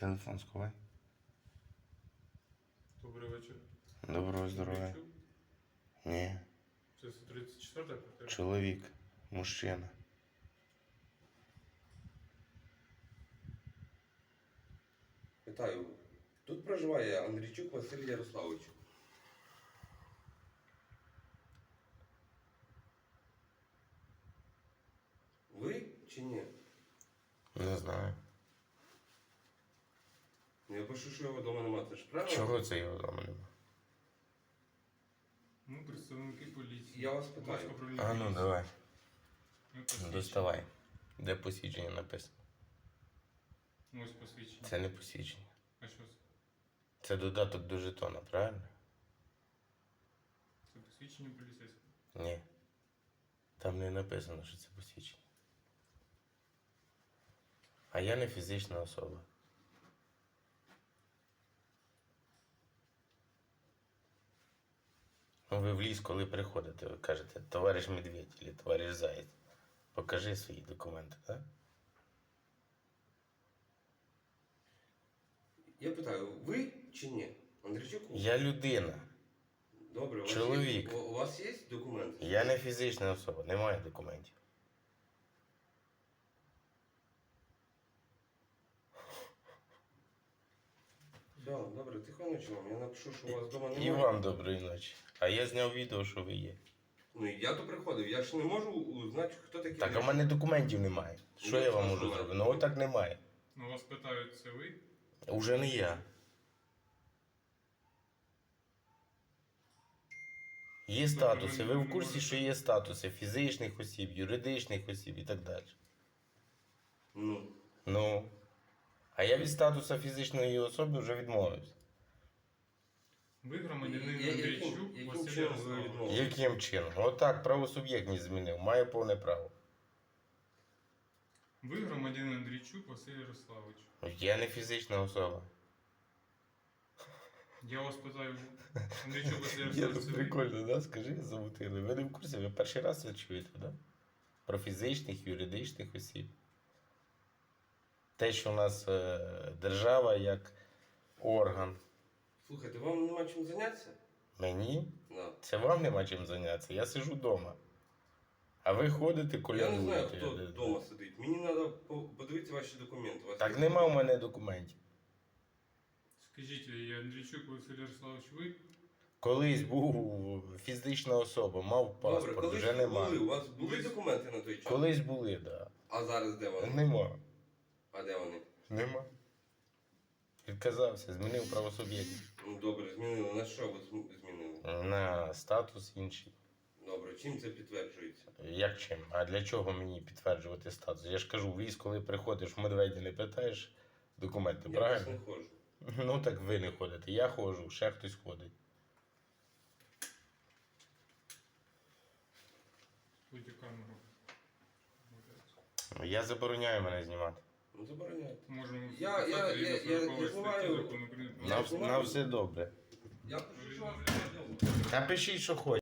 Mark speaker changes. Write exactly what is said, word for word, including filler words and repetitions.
Speaker 1: Телефон сховай.
Speaker 2: Добрий вечір.
Speaker 1: Доброго здоров'я.
Speaker 2: Андрійчук?
Speaker 1: Ні.
Speaker 2: Це тридцять четверта квартира?
Speaker 1: Чоловік. Мужчина.
Speaker 3: Вітаю. Тут проживає Андрійчук Василь Ярославович. Ви чи ні?
Speaker 1: Не знаю.
Speaker 3: Ну, я пишу, що його вдома немає. Це ж правильно?
Speaker 1: Чого це його вдома нема?
Speaker 2: Ми представники поліції.
Speaker 3: Я вас питаю.
Speaker 2: Будь ласка, управління
Speaker 1: А ну
Speaker 2: поліції.
Speaker 1: давай.
Speaker 2: Ми посвідчені.
Speaker 1: Доставай. Де посвідчення написано?
Speaker 2: Ось посвідчення.
Speaker 1: Це не посвідчення.
Speaker 2: А що це?
Speaker 1: Це додаток до жетона, правильно?
Speaker 2: Це посвідчення поліцейського.
Speaker 1: Ні. Там не написано, що це посвідчення. А я не фізична особа. Ну, ви в ліс, коли приходите, ви кажете, товариш медведь або товариш заєць, покажи свої документи, так?
Speaker 3: Я питаю, ви чи ні? Андрійчук?
Speaker 1: Я людина,
Speaker 3: Добре, у вас
Speaker 1: Чоловік.
Speaker 3: Є, у, у вас є документи?
Speaker 1: я не фізична особа, немає документів.
Speaker 3: Все, добре, тихо ночі вам. Я напишу, що у вас вдома
Speaker 1: І
Speaker 3: немає.
Speaker 1: вам доброї ночі. А я зняв відео, що ви є.
Speaker 3: Ну, я то приходив, я ж не можу узнати, хто такий.
Speaker 1: Так, а в мене документів немає. Що
Speaker 3: Ну,
Speaker 1: я вам
Speaker 3: що
Speaker 1: можу
Speaker 3: немає?
Speaker 1: зробити? Ну отак немає.
Speaker 2: Ну, вас питають, це ви?
Speaker 1: Уже не я. Є статуси. Ви в курсі, що є статуси фізичних осіб, юридичних осіб і так далі.
Speaker 3: Ну,
Speaker 1: Ну. А я від статусу фізичної особи вже відмовився.
Speaker 2: Ви громадянин
Speaker 3: Я- яким-
Speaker 2: Андрійчук
Speaker 3: яким
Speaker 2: Василь
Speaker 3: чином ви
Speaker 2: Ярославович.
Speaker 3: відмовились?
Speaker 1: Яким чином? Отак правосуб'єктність змінив. Має повне право.
Speaker 2: Ви громадянин Андрійчук Василь Ярославович.
Speaker 1: Я не фізична особа.
Speaker 2: Я вас питаю, Андрійчук Василь
Speaker 1: Я
Speaker 2: Ярославович,
Speaker 1: тут
Speaker 2: це ви?
Speaker 1: прикольно, да? Скажи, замутили. Ви не в курсі, ви перший раз це чуєте, да? Про фізичних, юридичних осіб. Те, що у нас е, держава як орган.
Speaker 3: слухайте, вам нема чим зайнятися?
Speaker 1: Мені?
Speaker 3: Да.
Speaker 1: Це вам нема чим зайнятися. Я сиджу вдома. А ви ходите,
Speaker 3: Я
Speaker 1: колядуєте.
Speaker 3: не знаю, хто вдома сидить. Мені треба подивитися ваші документи. У вас
Speaker 1: Так
Speaker 3: є?
Speaker 1: нема в мене документів.
Speaker 2: Скажіть, я Андрійчук Василь Ярославович, ви?
Speaker 1: Колись був фізична особа, мав
Speaker 3: Добре,
Speaker 1: паспорт,
Speaker 3: коли
Speaker 1: вже нема.
Speaker 3: були, у вас були
Speaker 2: Колись-
Speaker 3: документи на той час?
Speaker 1: Колись були, так. Да.
Speaker 3: А зараз де вони?
Speaker 1: Нема.
Speaker 3: А де вони?
Speaker 1: Нема. Відказався, змінив правосуб'єктність.
Speaker 3: Ну добре, змінили. На що ви зм- змінили?
Speaker 1: На статус інший.
Speaker 3: Добре, чим це підтверджується?
Speaker 1: Як чим? А для чого мені підтверджувати статус? Я ж кажу, в ліс, коли приходиш в медведя, не питаєш документи,
Speaker 3: Я просто
Speaker 1: правильно?
Speaker 3: не ходжу.
Speaker 1: Ну так ви не ходите. Я ходжу, ще хтось ходить.
Speaker 2: Будьте камеру.
Speaker 1: Я забороняю мене знімати.
Speaker 3: Ну забороняйте.
Speaker 2: Можемо
Speaker 3: Я- я-
Speaker 2: записати
Speaker 3: я-
Speaker 2: відео
Speaker 3: я- я
Speaker 2: сорокової
Speaker 3: знімаю-
Speaker 2: статті закону України.
Speaker 3: Я
Speaker 1: На,
Speaker 3: знімаю.
Speaker 1: на все добре.
Speaker 3: Я пишу, що у вас вдома.
Speaker 1: Та пишіть, що хочете.